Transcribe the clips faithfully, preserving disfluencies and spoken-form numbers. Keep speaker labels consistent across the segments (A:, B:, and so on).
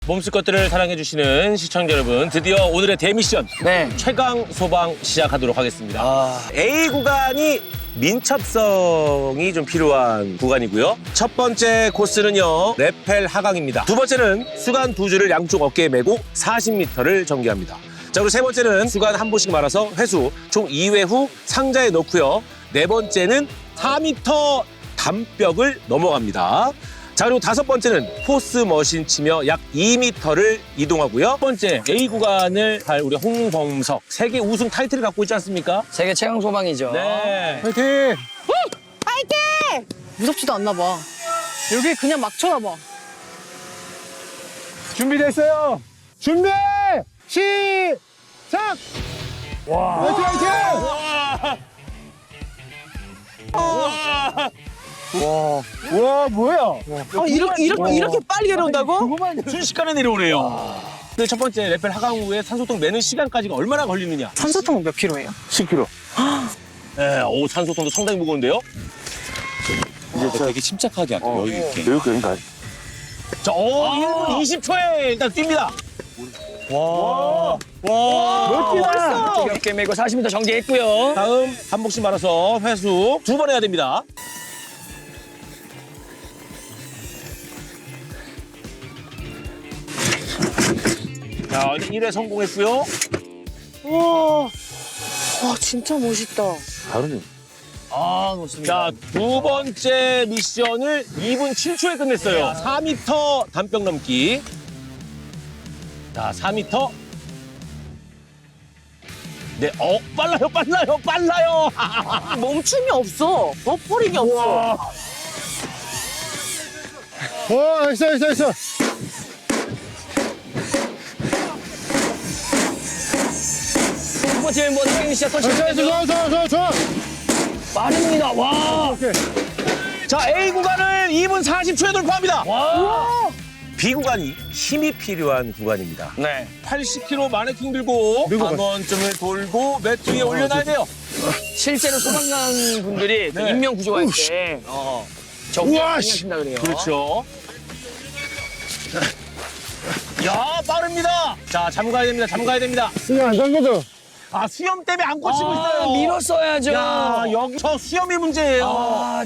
A: 몸쓸 것들을 사랑해주시는 시청자 여러분, 드디어 오늘의 대미션
B: 네.
A: 최강 소방 시작하도록 하겠습니다. 아... A 구간이 민첩성이 좀 필요한 구간이고요. 첫 번째 코스는요, 레펠 하강입니다. 두 번째는 수간 두 줄을 양쪽 어깨에 메고 사십 미터를 전개합니다. 자, 그리고 세 번째는 수간 한 번씩 말아서 회수 총 이 회 후 상자에 넣고요. 네 번째는 사 미터 담벽을 넘어갑니다. 자, 그리고 다섯 번째는 포스 머신 치며 약 이 미터를 이동하고요. 첫 번째 A 구간을 할 우리 홍범석, 세계 우승 타이틀을 갖고 있지 않습니까?
B: 세계 최강 소방이죠.
A: 네.
C: 파이팅!
D: 파이팅! 무섭지도 않나 봐. 여기 그냥 막 쳐다봐.
C: 준비됐어요. 준비! 시작! 와! 파이팅, 파이팅!
A: 와!
C: 와, 와, 뭐야?
D: 아, 이렇게, 이렇게, 이렇게 빨리 내려온다고?
C: 그거만
A: 순식간에 내려오네요. 근데 첫 번째 레펠 하강 후에 산소통 매는 시간까지가 얼마나 걸리느냐?
D: 산소통은 몇 킬로예요?
C: 십 킬로그램.
A: 네, 오, 산소통도 상당히 무거운데요?
E: 이제 되게 침착하게 할게요. 여유 있게.
C: 여기 그러니까.
A: 자, 오, 일 분 이십 초에 일단 뜁니다. 와, 와,
C: 멋지다.
B: 어깨 어깨 메고 사십 미터 전개했고요.
A: 다음 한 복씩 말아서 회수 두 번 해야 됩니다. 자, 일 회 성공했고요.
D: 우와. 와, 진짜 멋있다.
C: 다르네.
A: 아, 좋습니다. 자, 두 번째 미션을 이 분 칠 초에 끝냈어요. 사 미터 담벽 넘기. 자, 사 미터. 네, 어, 빨라요, 빨라요, 빨라요.
D: 멈춤이 없어. 버퍼링이 없어.
C: 와, 나이스, 나이스, 나이스.
B: 두 번째 멤버 태경 씨가
C: 나이스, 나이스,
B: 터치했죠.
C: 좋아, 좋아, 좋아, 좋아.
B: 빠릅니다. 와.
C: 오케이.
A: 자, A 구간을 이 분 사십 초에 돌파합니다.
B: 와.
A: B 구간이 힘이 필요한 구간입니다.
B: 네.
A: 팔십 킬로그램 마네킹 들고
C: 들고
A: 한 번쯤을 돌고 매트 위에 올려놔야 돼요.
B: 실제로 소방관 분들이 그
A: 네.
B: 인명 구조할 때 어, 저
C: 우와,
B: 하신다 그래요.
A: 그렇죠. 야, 빠릅니다. 자, 잠가야 됩니다. 잠가야 됩니다.
C: 그냥 안 잠겨져.
A: 아, 수염 때문에 안 꽂히고
B: 아,
A: 있어요.
B: 밀었어야죠.
A: 야, 여기 저 수염이 문제예요.
B: 아,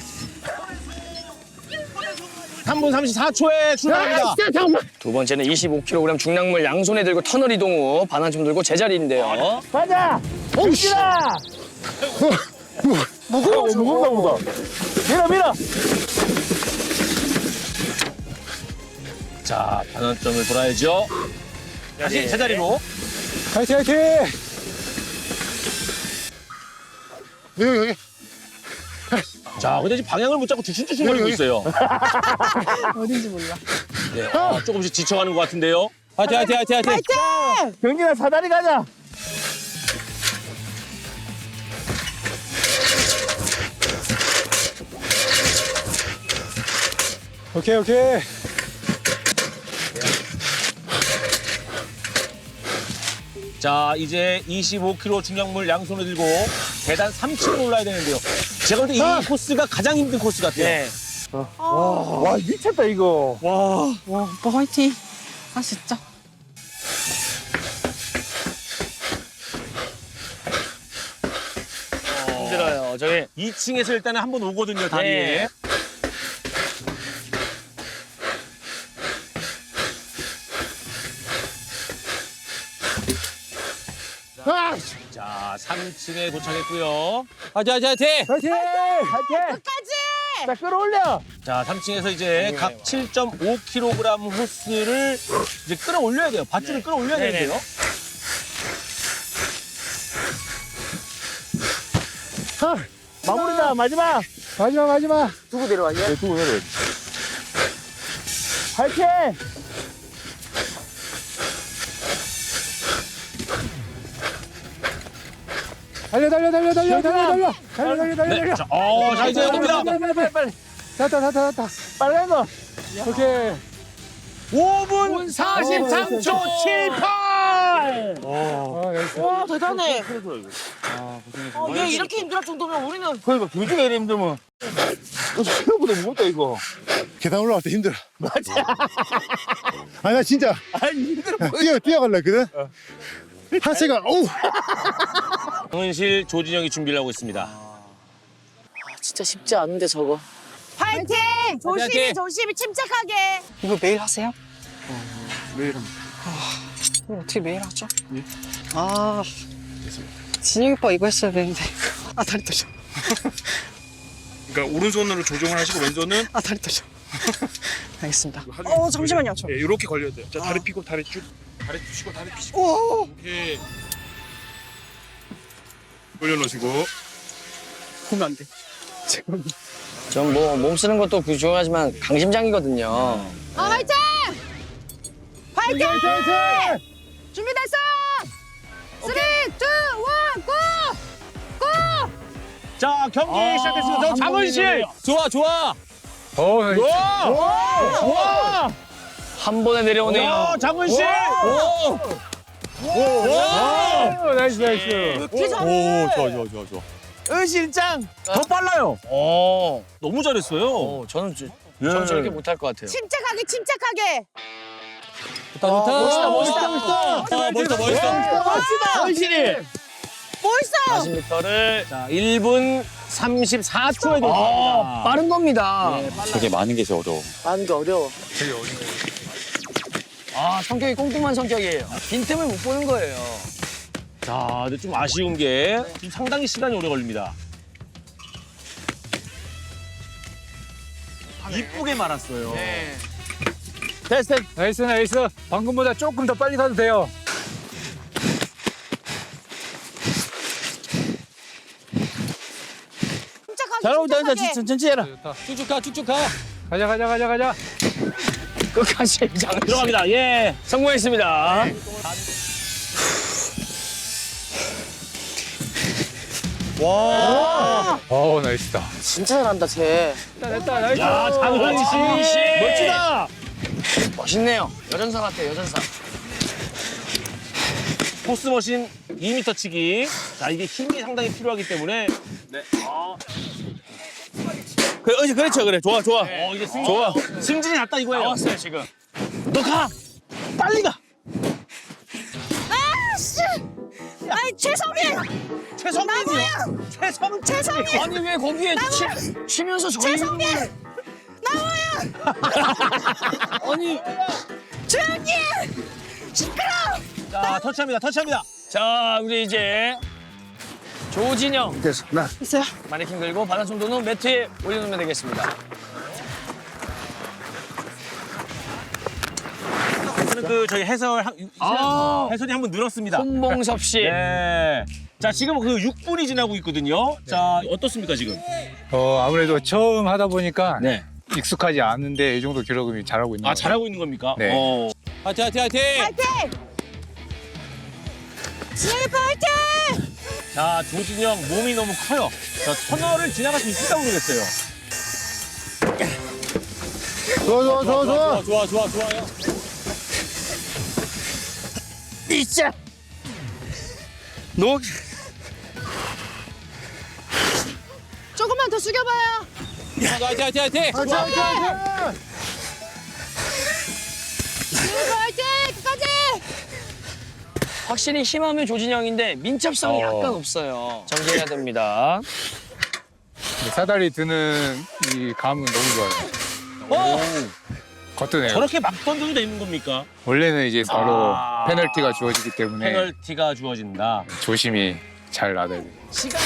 A: 삼 분 삼십사 초에 출발합니다.
B: 두 번째는 이십오 킬로그램 중량물 양손에 들고 터널 이동 후 반환점 들고 제자리인데요.
C: 가자! 옵시다! 무거워, 무겁나 보다. 밀어, 밀어!
A: 자, 반환점을 돌아야죠. 다시 제자리로.
C: 파이팅, 파이팅! 여기, 여기.
A: 자, 근데 지금 방향을 못 잡고 주춤주춤거리고
C: 여기, 여기.
A: 있어요.
D: 어딘지 몰라.
A: 네, 아, 조금씩 지쳐가는 것 같은데요. 화이팅, 화이팅, 화이팅, 화이팅.
D: 파이팅!
C: 경진아, 사다리 가자! 오케이, 오케이.
A: 자, 이제 이십오 킬로그램 중량물 양손에 들고 계단 삼 층을 올라야 되는데요. 제가 볼 때 이
C: 아!
A: 코스가 가장 힘든 코스 같아요.
B: 네.
C: 와, 미쳤다, 이거.
A: 와.
D: 와, 오빠 화이팅. 아, 진짜.
B: 힘들어요. 저희
A: 이 층에서 일단은 한 번 오거든요, 다리에.
B: 네.
C: 아!
A: 자, 삼 층에 도착했고요. 화이팅, 화이팅, 화이팅!
C: 파이팅! 파이팅!
D: 끝까지!
C: 자, 끌어올려!
A: 자, 삼 층에서 이제 각 칠 점 오 킬로그램 호스를 이제 끌어올려야 돼요. 밧줄을 끌어올려야
B: 네네.
A: 되는데요.
C: 아, 마무리다, 마지막! 마지막, 마지막!
D: 누구 내려와요?
C: 네, 두고 내려. 파이팅! 달려, 달려, 달려, 달려, 달려, 달려! 달려, 달려, 달려,
A: 네.
C: 달려!
A: 자, 어, 자, 이제 옵니다.
C: 빨리, 빨리, 빨리, 빨리! 됐다, 됐다, 됐다. 빨간 거! 오케이.
A: 오 분 사십삼 초 칠십팔!
C: 어, 나이스.
F: 와 대단해. 어, 얘 이렇게 힘들 정도면 우리는
G: 그러니까 교주가 이래 힘들면 너 생각보다 무겁다 이거.
H: 계단 올라갈 때 힘들어. 맞아. 아니 나 진짜
G: 아니 힘들어.
H: 뛰어 뛰어갈라 했거든. 하체가 어우.
A: 강은실, 조진영이 준비를 하고 있습니다.
F: 아, 진짜 쉽지 않은데 저거.
D: 파이팅!
F: 조심히
D: 조심히 침착하게.
F: 이거 매일 하세요?
G: 매일 합니다.
F: 이거 어떻게 매일 하죠? 아 진혁이 오빠 이거 했어야 되는데. 아 다리 떨려.
G: 그러니까 오른손으로 조정을 하시고 왼손은
F: 아 다리 떨려. 알겠습니다. 어 잠시만요. 저.
G: 예, 이렇게 걸려야 돼요. 자 다리 펴고 다리 쭉. 다리 펴시고 다리 펴시고. 오케이. 올려놓으시고.
F: 보면 안 돼.
B: 전 뭐 몸 쓰는 것도 그 중요하지만 강심장이거든요.
D: 아, 화이팅! 파이팅! 준비됐어요! 쓰리, 투, 원, 고! 고!
A: 자, 경기 시작됐습니다. 저 장은실.
E: 좋아 좋아.
C: 어, 나이스.
A: 와!
B: 한 번에 내려오네요.
A: 와, 장은실.
E: 오.
C: 어, 나이스, 나이스.
F: 이렇게 잘해.
E: 오 좋아 좋아 좋아 좋아.
A: 은실장 더 빨라요.
B: 어,
A: 너무 잘했어요.
B: 어 저는 저,
A: 예.
B: 저는 저렇게 못할 것 같아요.
D: 침착하게, 침착하게.
E: 좋다 좋다.
B: 멋있다, 멋있다.
E: 멋있다 멋있다 멋있다.
F: 멋지다.
A: 은실이.
F: 멋있어.
B: 사십 미터를
A: 자, 일 분 삼십사 초에
B: 아,
A: 도착합니다.
B: 빠른 겁니다.
E: 저게 많은 게 제일 어려워.
F: 많은 게 어려워.
B: 아, 성격이 꼼꼼한 성격이에요. 빈틈을 못 보는 거예요.
A: 자, 근데 좀 아쉬운 게 지금 상당히 시간이 오래 걸립니다. 이쁘게 말았어요.
B: 네.
A: 됐어, 됐어.
C: 나이스, 나이스. 방금보다 조금 더 빨리 가도 돼요.
D: 침착하게,
G: 잘 나온다.
D: 침착하게.
G: 천천히 해라.
C: 좋다.
E: 쭉쭉 가 쭉쭉 가.
C: 가자, 가자, 가자, 가자.
B: 끝까지 장
A: 들어갑니다. 예.
B: 성공했습니다.
C: 어, 나이스다.
F: 진짜 잘한다 쟤.
C: 됐다, 됐다, 나이스.
A: 야, 장은실.
B: 멋지다. 멋있네요. 여전사 같아요, 여전사.
A: 포스머신 이 미터 치기. 자, 이게 힘이 상당히 필요하기 때문에. 네. 아.
G: 그래, 어, 그렇죠, 그래. 좋아, 좋아.
A: 어, 이제 승,
G: 좋아.
A: 승진이 났다 이거예요.
B: 나왔어요, 지금.
A: 너 가! 빨리 가!
D: 아씨! 아이, 최성민!
A: 최성민이요! 최성,
D: 최성민!
B: 아니, 왜 거기에 치, 치면서 저희.
D: 최성민!
B: 아니.
D: 조용히! 시끄러!
A: 자, 터치합니다, 터치합니다.
B: 자, 우리 이제 조진영.
G: 됐어. 나.
F: 있어요?
B: 마네킹 들고 바닥 정도는 매트에 올려놓으면 되겠습니다.
A: 저는 그 저희 해설, 한-
B: 아.
A: 해설이 한 번 늘었습니다.
B: 손봉섭 씨.
A: 네. 자, 지금 그 육 분이 지나고 있거든요. 자, 어떻습니까, 지금?
C: 어, 아무래도 처음 하다 보니까
A: 네.
C: 익숙하지 않은데 이 정도 기록을 잘하고 있는
A: 아,
C: 것 같아요.
A: 잘하고 있는 겁니까?
C: 네.
A: 어.
E: 화이팅 화이팅 화이팅.
D: 파이팅! 진영이 파이팅!
A: 자, 조진영 몸이 너무 커요. 자, 터널을 지나갈 수 있을까 모르겠어요.
H: 좋아 좋아 좋아 좋아.
E: 좋아 좋아 좋아요.
G: 이자. 너
D: 조금만 더 숙여봐요.
E: 화이팅 화이팅 화이팅.
H: 화이팅 화이팅 화이팅.
D: 진영이 파이팅! 끝까지!
B: 확실히 힘하면 조진영인데 민첩성이
C: 어.
B: 약간 없어요. 정리해야 됩니다.
C: 근데 사다리 드는 이 감은 너무 좋아요. 거뜬해요.
A: 저렇게 막 던져도 되는 겁니까?
C: 원래는 이제 바로
A: 아.
C: 페널티가 주어지기 때문에
A: 페널티가 주어진다.
C: 조심히 잘 놔둬야 돼요.
B: 시간.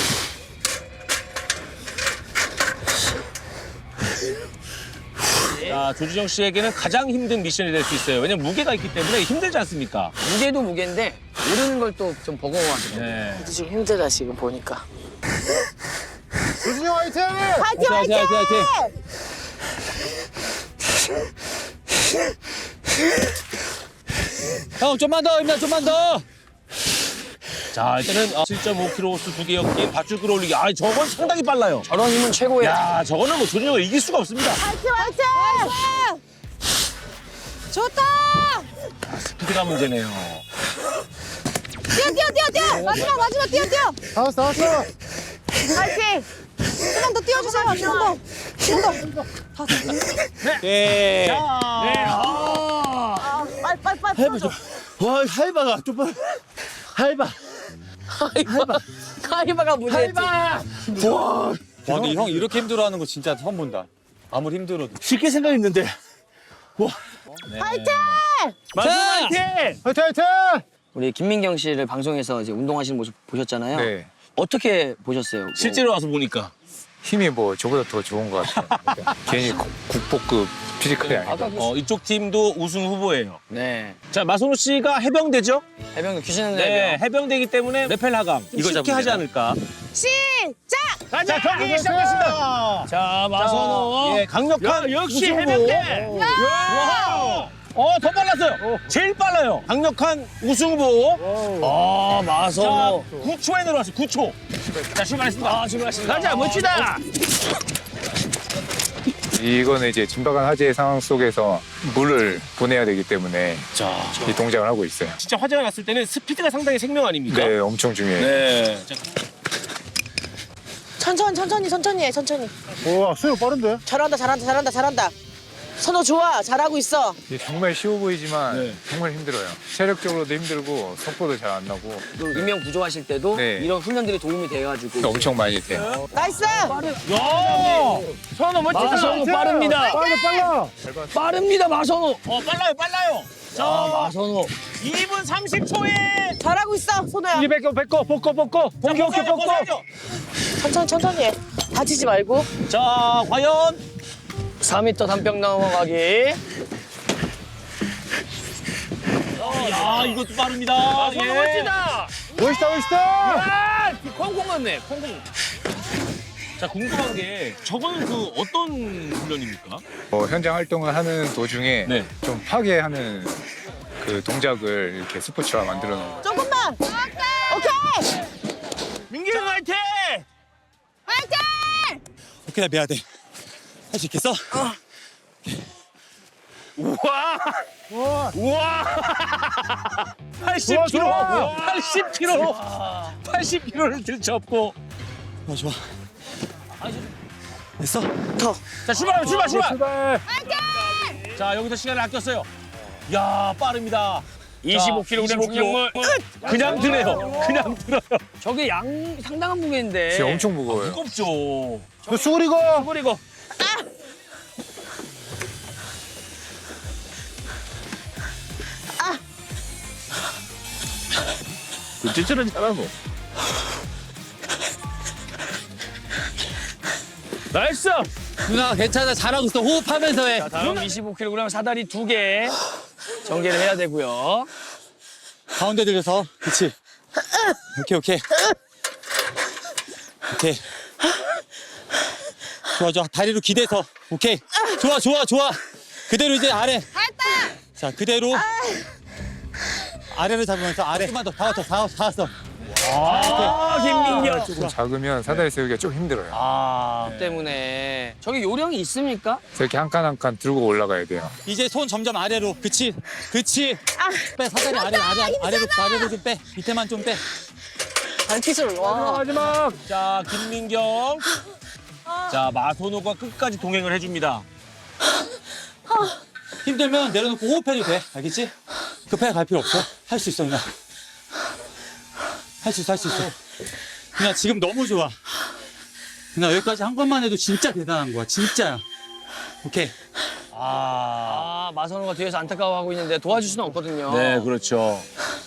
A: 자, 조진영 씨에게는 가장 힘든 미션이 될 수 있어요. 왜냐면 무게가 있기 때문에 힘들지 않습니까?
B: 무게도 무게인데 오르는 걸 또 좀 버거워하더라고요.
A: 네.
F: 지금 힘들다 지금 보니까.
H: 조진영 화이팅.
D: 파이팅!
E: 화이팅 화이팅 화이팅. 형 좀만 더 임나 좀만 더.
A: 자, 일단은 어, 칠 점 오 킬로그램 호수 두 개 엮기 밧줄 끌어올리기. 아, 저건 상당히 빨라요.
B: 저런 힘은 최고예요.
A: 야, 저거는 뭐 조진영을 이길 수가 없습니다.
D: 파이팅! 파이팅! 좋다!
A: 스피드가 문제네요.
D: 뛰어, 뛰어, 뛰어, 뛰어! 마지막, 마지막, 뛰어, 뛰어!
C: 다 왔어, 다 왔어.
D: 파이팅! 조금 더 뛰어주세요, 조금 더. 조금 더.
E: 네.
D: 아, 빨리, 빨리, 빨리 풀어줘.
H: 와, 할바가 좀 빨리. 할바.
D: 가위바가 문제지.
E: 와, 근데 형 이렇게 힘들어하는 거 진짜 처음 본다. 아무리 힘들어도.
H: 쉽게 생각했는데.
D: 파이팅!
G: 마소 화이팅!
C: 화이팅, 화이팅!
B: 우리 김민경 씨를 방송에서 이제 운동하시는 모습 보셨잖아요.
I: 네.
B: 어떻게 보셨어요? 뭐
A: 실제로 와서 보니까.
I: 힘이 뭐 저보다 더 좋은 것 같아요. 그러니까 괜히 국- 국보급 피지컬이 아니다.
A: 어, 이쪽 팀도 우승 후보예요.
B: 네.
A: 자, 마선호 씨가 해병대죠?
B: 해병대 귀신은
A: 네,
B: 해병.
A: 해병대이기 때문에 레펠 하강. 이거 쉽게 하지 않을까?
D: 시작!
A: 자, 경기 시작했습니다.
B: 자, 마선호.
A: 예, 강력한 역시 해병대. 와! 어, 더 빨랐어요. 제일 빨라요. 강력한 우승 후보.
B: 아,
A: 자,
B: 마선호.
A: 구 초에 내려왔어요. 구 초. 자, 출발했습니다.
B: 아, 출발했습니다.
A: 가자, 멋지다.
I: 이거는 이제 진박한 화재의 상황 속에서 물을 보내야 되기 때문에 이 동작을 하고 있어요.
A: 진짜 화재가 났을 때는 스피드가 상당히 생명 아닙니까?
I: 네, 엄청 중요해요.
A: 네. 자,
F: 천천히, 천천히, 천천히 해, 천천히.
C: 우와, 수영 빠른데?
F: 잘한다, 잘한다, 잘한다, 잘한다. 선호 좋아, 잘하고 있어.
I: 이게 정말 쉬워 보이지만
A: 네.
I: 정말 힘들어요. 체력적으로도 힘들고 속도도 잘 안 나고
B: 또 인명 구조하실 때도
I: 네.
B: 이런 훈련들이 도움이 돼가지고.
I: 엄청 많이 돼요.
F: 나이스!
A: 야! 선호 멋지다.
B: 마선호 빠릅니다.
C: 빨라, 빨라.
B: 빠릅니다, 마선호.
A: 어, 빨라요, 빨라요.
B: 자, 마선호.
A: 이 분 삼십 초에
F: 잘하고 있어, 선호야.
C: 이 뺏고, 뺏고, 벗고, 벗고. 본격,
A: 벗어야죠,
C: 벗고.
A: 벗어야죠.
F: 천천히, 천천히 해. 다치지 말고.
A: 자, 과연
B: 사 미터 단평 넘어가기.
A: 야, 이것도 빠릅니다. 예.
B: 멋지다.
C: 멋있다, 멋있다.
B: 아, 콩콩 맞네, 콩콩.
A: 자, 궁금한 게 저거는 그 어떤 훈련입니까?
I: 어, 현장 활동을 하는 도중에
A: 네.
I: 좀 파괴하는 그 동작을 이렇게 스포츠화 만들어 놓은 거예요.
F: 조금만. 오케이!
A: 민기 형 화이팅!
D: 파이팅!
E: 오케이, 나 미안해. 할 수 있겠어?
A: 우와! 우와! 팔십 킬로그램!
C: 좋아.
A: 팔십 킬로그램! 팔십 킬로그램를 들쳐업고.
E: 아, 좋아. 됐어?
A: 자, 출발하면 출발, 출발!
C: 출발.
A: 자, 여기서 시간을 아꼈어요. 야, 빠릅니다.
B: 이십오 킬로그램 중량물.
A: 그냥 드네요. 그냥 들어요.
B: 저게 양 상당한 무게인데.
I: 진짜 엄청 무거워요.
A: 무겁죠.
C: 너 수그리고.
A: 버리고. 진짜는 잘하고. 나이스!
B: 누나 괜찮아, 잘하고 있어. 호흡하면서 해. 자, 다음 이십오 킬로그램 사다리 두 개 전개를 해야 되고요.
E: 가운데 들려서. 그치. 오케이, 오케이. 오케이. 좋아, 좋아. 다리로 기대서. 오케이. 좋아, 좋아, 좋아. 그대로 이제 아래. 자, 그대로. 아래를 잡으면서 아래. 조금만 더. 다 왔어, 다 왔어, 다 왔어.
B: 아, 김민경.
I: 조금 작으면 사다리 세우기가 좀 힘들어요.
B: 아, 때문에. 저기 요령이 있습니까?
I: 그래서 이렇게 한 칸 한 칸 들고 올라가야 돼요.
E: 이제 손 점점 아래로. 그치. 그치. 빼, 사다리 아래, 아래, 아래로, 아래로 좀 빼. 밑에만 좀 빼.
F: 발키술, 와.
C: 마지막.
A: 자, 김민경. 자, 마선호가 끝까지 동행을 해줍니다.
E: 힘들면 내려놓고 호흡해도 돼. 알겠지? 급하게 갈 필요 없어. 할 수 있어, 누나. 할 수 있어, 할 수 있어. 누나, 지금 너무 좋아. 누나, 여기까지 한 번만 해도 진짜 대단한 거야. 진짜야. 오케이.
B: 아, 마선호가 뒤에서 안타까워하고 있는데 도와줄 수는 없거든요.
A: 네, 그렇죠.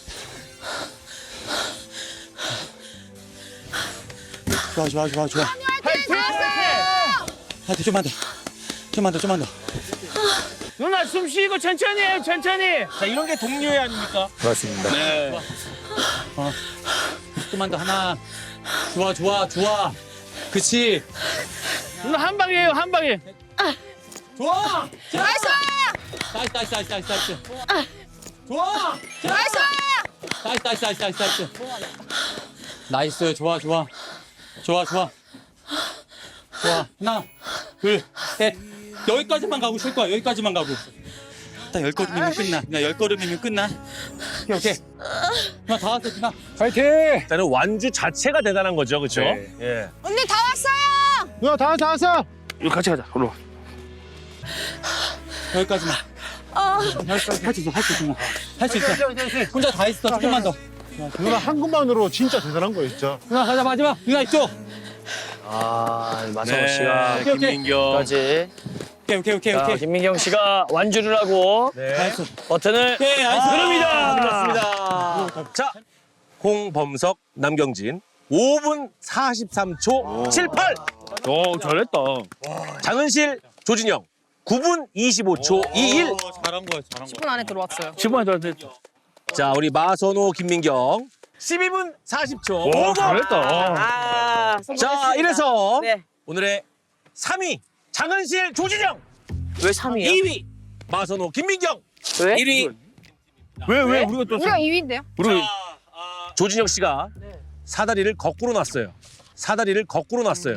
E: 좋아, 좋아, 좋아, 좋아.
D: 파이팅!
E: 하여튼 좀만 더. 좀만 더, 좀만 더.
B: 누나 숨 쉬고 천천히 해요, 천천히.
A: 자, 이런 게 동료애 아닙니까?
I: 맞습니다.
A: 네.
E: 좀만 더. 하나. 좋아, 좋아, 좋아. 그치.
B: 누나 한 방이에요, 한 방에.
E: 좋아!
D: 나이스!
E: 나이스, 나이스, 나이스, 나이스, 나이스. 좋아!
D: 나이스!
E: 나이스, 나이스, 나이스, 나이스, 나이스. 나이스, 좋아, 좋아. 좋아, 좋아. 좋아. 하나, 둘, 셋. 여기까지만 가고 쉴 거야, 여기까지만 가고. 딱 열 걸음이면 끝나. 누나 열 걸음이면 끝나. 오케이 오케이. 누나 다 왔어 누나.
C: 파이팅!
A: 일단은 완주 자체가 대단한 거죠, 그렇죠?
C: 네.
A: 예.
D: 언니 다 왔어요.
H: 누나 다 왔어 다 왔어.
G: 이거 같이 가자. 올라.
E: 여기까지만. 여기까지 할 수 있어 할 수 있어. 할 수 있어. 혼자 다 했어. 조금만 더.
H: 누나 한 것만으로 진짜 대단한 거예요 진짜.
E: 누나 가자 마지막. 누나 이쪽.
B: 아, 마성호
A: 네,
B: 씨가
E: 오케이, 오케이.
B: 김민경까지.
E: 오케이 오케이 오케이
B: 자,
E: 오케이.
B: 김민경 씨가 완주를 하고
A: 네.
E: 다 했어.
B: 버튼을
E: 오케이 나이스.
A: 그렇습니다. 자, 홍범석, 남경진 오 분 사십삼 초 칠십팔.
B: 오, 잘했다.
A: 장은실, 조진영 구 분 이십오 초 이십일.
E: 오, 잘한 거야 잘한
D: 십
E: 거야.
D: 분 안에 들어왔어요.
B: 십 분 잘했다.
A: 자, 우리 마선호, 김민경 십이 분 사십 초.
B: 오, 잘했다.
D: 아,
A: 자, 이래서
D: 네.
A: 오늘의 삼 위 장은실, 조진영.
D: 왜 삼 위요?
A: 이 위 마선호, 김민경.
D: 왜?
A: 일 위
G: 왜 왜 우리가 또
D: 우리가 이 위인데요?
A: 우리 조진영 씨가 사다리를 거꾸로 놨어요. 사다리를 거꾸로 놨어요.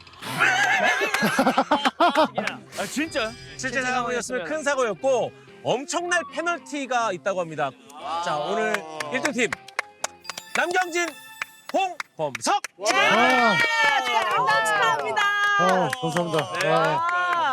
B: 아, 진짜?
A: 실제 상황이었으면 큰 사고였고 엄청난 페널티가 있다고 합니다. 자, 오늘 일 등 팀 남경진, 홍범석.
H: 아,
D: 축하합니다.
H: 아 감사합니다.
A: 네.
H: 아.